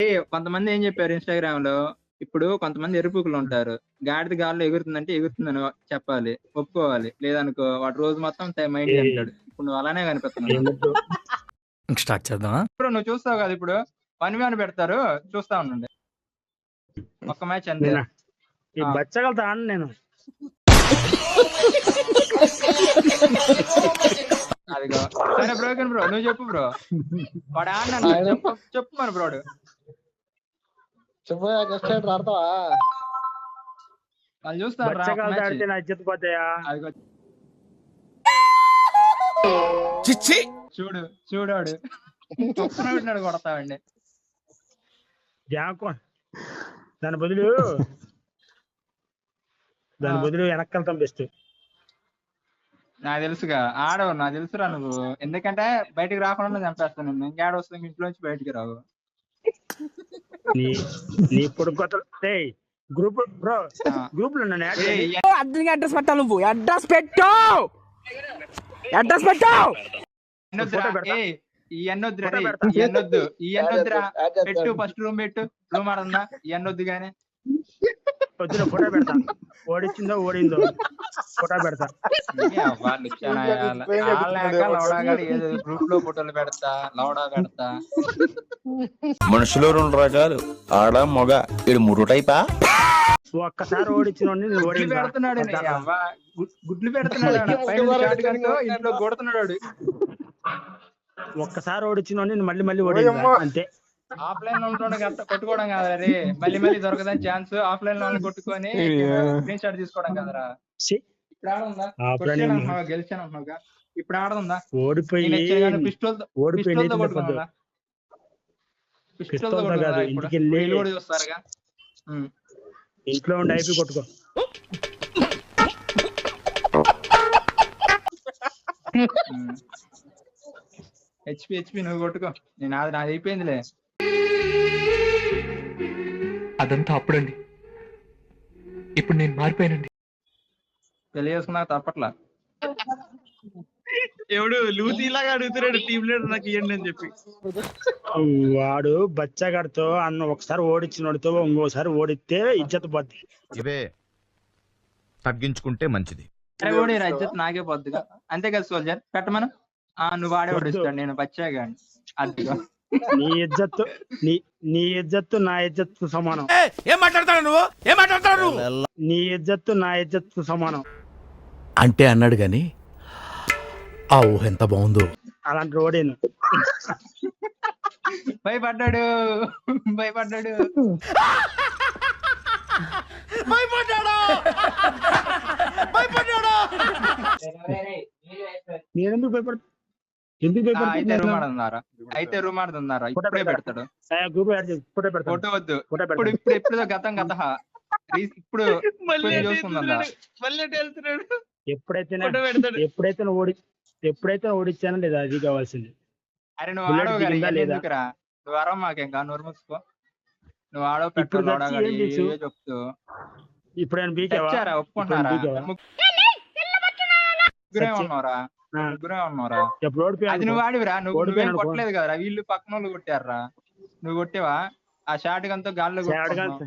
కొంతమంది ఏం చెప్పారు ఇన్స్టాగ్రామ్ లో, ఇప్పుడు కొంతమంది ఎరుపుకులు ఉంటారు, గాడిద గాల్లో ఎగురుతుందంటే ఎగురుతుందని చెప్పాలి, ఒప్పుకోవాలి, లేదనుకో వాడు రోజు మొత్తం మైండ్ అంటాడు. ఇప్పుడు నువ్వు అలానే కనిపిస్తున్నావు. స్టార్ట్ చేద్దాం. ఇప్పుడు నువ్వు చూస్తావు కదా, ఇప్పుడు 1v1 పెడతారు, చూస్తా ఉండండి, ఒక్క మ్యాచ్ అంతే. బచ్చగలుగుతా నేను అదిగో సరే బ్రోకెన్ బ్రో, నువ్వు చెప్పు బ్రో. వాడు ఆడినా చెప్పు మరి బ్రోడు. చెప్పు ఆడతావా? వాళ్ళు చూస్తారు చూడు చూడాడు పెట్టినాడు కొడతావండి. దాని బదులు వెనక్కెళ్తాం బెస్ట్. నాకు తెలుసుగా ఆడవు, నాకు తెలుసురా నువ్వు, ఎందుకంటే బయటికి రాకుండా చంపేస్తాను నేను. ఇంకేడ వస్తుంది ఇంట్లోంచి బయటికి రావు. నీ పొడుగు గ్రూప్ బ్రో, గ్రూప్ లో అడ్రస్ పెట్టాలి, నువ్వు అడ్రస్ పెట్టావు, అడ్రస్ పెట్టావు. ఈ ఎన్నొద్దురా పెట్టు, ఫస్ట్ రూమ్ పెట్టు, రూమ్ ఆడుందా ఈ ఎన్నొద్దు గానీ. పొద్దున ఫోటో పెడతా, ఓడిచ్చిందో ఓడిందో ఫోటో పెడతా. గ్రూప్ లో ఫోటోలు పెడతా, లౌడా పెడతా. మనుషులు 2 రకాలు, ఆడ మొగ, ఇది 3 టైపా. ఒక్కసారి ఓడించిన పెడుతున్నాడు, గుడ్లు పెడుతున్నాడు, ఇంట్లో కొడుతున్నాడు. ఒక్కసారి ఓడించిన మళ్ళీ మళ్ళీ ఓడి అంతే. ఆఫ్లైన్ లో కొట్టుకోవడం కాదురా రే, మళ్ళీ మళ్ళీ దొరకదని ఛాన్స్. ఆఫ్లైన్ లో కొట్టుకొని స్క్రీన్ షాట్ తీసుకోవడం కదరా. ఇప్పుడు ఆడుందా, గెలిచాను అన్నావుగా, ఇప్పుడు ఆడదుందా? ఓడిపోయి పిస్టోల్తో కొట్టుకున్నా, పిస్టోల్తో కొట్టుకున్నా చూస్తారుగా. ఇంట్లో ఉండి అయిపోయి కొట్టుకో. హెచ్పి నువ్వు కొట్టుకో, నేను నాది అయిపోయిందిలే. అదంతా అప్పుడండి, ఇప్పుడు నేను మారిపోయానండి. పెళ్లి చేసుకున్నా తప్పట్లా. ఎవడు లూసీలాగా అడుగుతున్నాడు టీమ్ లీడర్ నాకు ఇవ్వండి అని చెప్పి. వాడు బచ్చగాడితో అన్న ఒకసారి ఓడించినోడితో ఇంకోసారి ఓడితే ఇజ్జత్ పోద్ది. ఇవే తగ్గించుకుంటే మంచిది. ఓడి ఇజ్జత్ నాకే పోద్దిగా, అంతే కదా సోల్జర్. పెట్టమను, నువ్వు ఆడే ఓడిస్తాడు, నేను బచ్చాగా అదిగా. నీ ఇజ్జత్తు నా ఇజ్జత్తు సమానం. ఏం మాట్లాడతాడు నువ్వు, ఏం మాట్లాడతాడు? నీ ఇజ్జత్తు నా ఇజ్జత్తు సమానం అంటే అన్నాడు గాని ఆ ఊహ ఎంత బాగుందో. అలాంటి రోడేను. భయపడ్డాడు నేనెందుకు భయపడతా? అయితే రూమ్ ఆడుతున్నారా? ఇప్పుడే పెడతాడు ఫోటో. వద్దు, ఇప్పుడు గతం గత ఇప్పుడు ఎప్పుడైతే ఓడిచ్చానో లేదా అది కావాల్సింది. అరే నువ్వు ఆడవురా, నువ్వు అరవ మాకేం కా, నోరు మూసుకో. నువ్వు ఆడవు పెట్టు చెప్తూ. ఇప్పుడు ఒప్పుకుంటున్నారా? ముగ్గురే ఉన్నారా? అది నువ్వు ఆడివిరా, నువ్వేం కొట్టలేదు కదరా, వీళ్ళు పక్కన వాళ్ళు కొట్టారా, నువ్వు కొట్టేవా? ఆ షార్ట్ గంతో గాల్లో UMP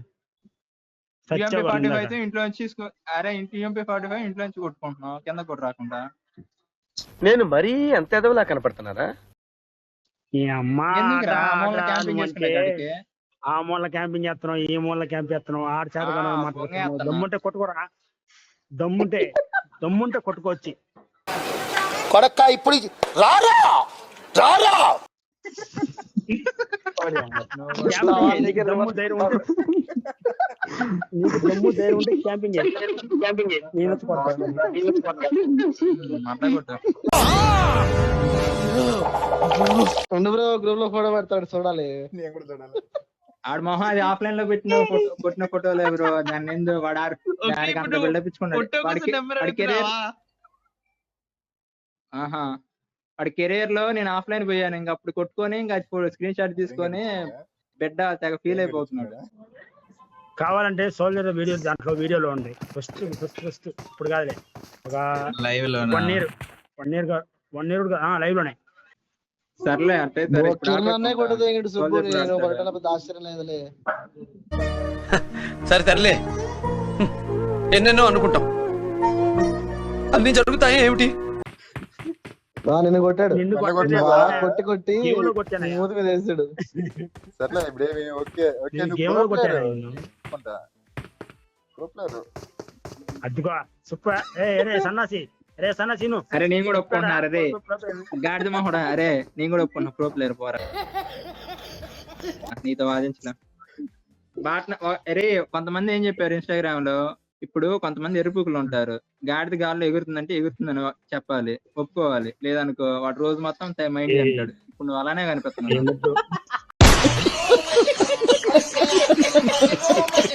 45 అయితే ఇంట్లో నుంచి, అరే UMP 45 ఇంట్లో నుంచి కొట్టుకుంటున్నావు కింద కొట్టు రాకుండా. నేను మరీ అంత ఎదవలా కనపడుతున్నారా? ఆ మూల క్యాంపింగ్ చేస్తున్నావు, ఈ మూల క్యాంప్ చేస్తున్నావు, ఆడ చేత దమ్ముంటే కొట్టుకోరా, దమ్ముంటే కొట్టుకోవచ్చు. కొడక్క ఇప్పుడు రారా దమ్ము ధైర్యం ఉంటే క్యాంపింగ్ గ్రూప్ లో ఫోటో పెడతాడు, చూడాలి. ఆడ మొహం అది ఆఫ్లైన్ లో కొట్టిన ఫోటోలే బ్రో. దాన్ని ఎందుకు వాడికి అంత బిల్డప్ ఇచ్చుకున్నాడు. వాడి కెరీర్ లో నేను ఆఫ్లైన్ పోయాను, ఇంకా అప్పుడు కొట్టుకొని ఇంకా స్క్రీన్ షాట్ తీసుకొని బిడ్డ తెగ ఫీల్ అయిపోతున్నాడు. కావాలంటే సోల్జర్ వీడియో దాంట్లో వీడియోలో ఉంది. ఫస్ట్ ఇప్పుడు కాదులే, ఒక 1 year లైవ్ లోనే సర్లే అంటే సరే ఇప్పుడు కిరణ్ కొట్టదు ఇంకటి సుబ్బు రోజు ఎప్పుడు నేను ఆడతారు? కొట్టడం పెద్ద ఆశ్చర్యం లేదులే. సరే తరలే ఎన్నెన్నో అనుకుంటాం అన్ని జరుగుతాయి ఏమిటి నిన్ను కొట్టాడు నిన్ను నన్ను కొట్టలేదు. కొట్టావా? కొట్టి గేమ్లో కొట్టానయ్యా. మూతి మీద వేసాడు. సర్లే ఇప్పుడేమి ఓకే ఓకే నేను నువ్వు గేమ్లో pro player. కొట్టాను నిన్ను. అనుకుంటా. Pro player. అద్దుకో సూపర్. రే సన్నాసి, రే సన్నాసి నువ్వు. అరే నేను కూడా ఒప్పుకుంటున్నారు రే గాడిద మొహడా. అరే నేను కూడా ఒప్పుకున్నా ప్రో ప్లేయర్ పోరా నీతో వాదించలే అరే కొంతమంది ఏం చెప్పారు ఇన్స్టాగ్రామ్ లో, ఇప్పుడు కొంతమంది ఎరుపుకులు ఉంటారు, గాడిద గాల్లో ఎగురుతుందంటే ఎగురుతుందని చెప్పాలి, ఒప్పుకోవాలి, లేదనుకో వాడు రోజు మొత్తం మైండ్ అంటాడు. ఇప్పుడు నువ్వు అలానే కనిపిస్తున్నావు.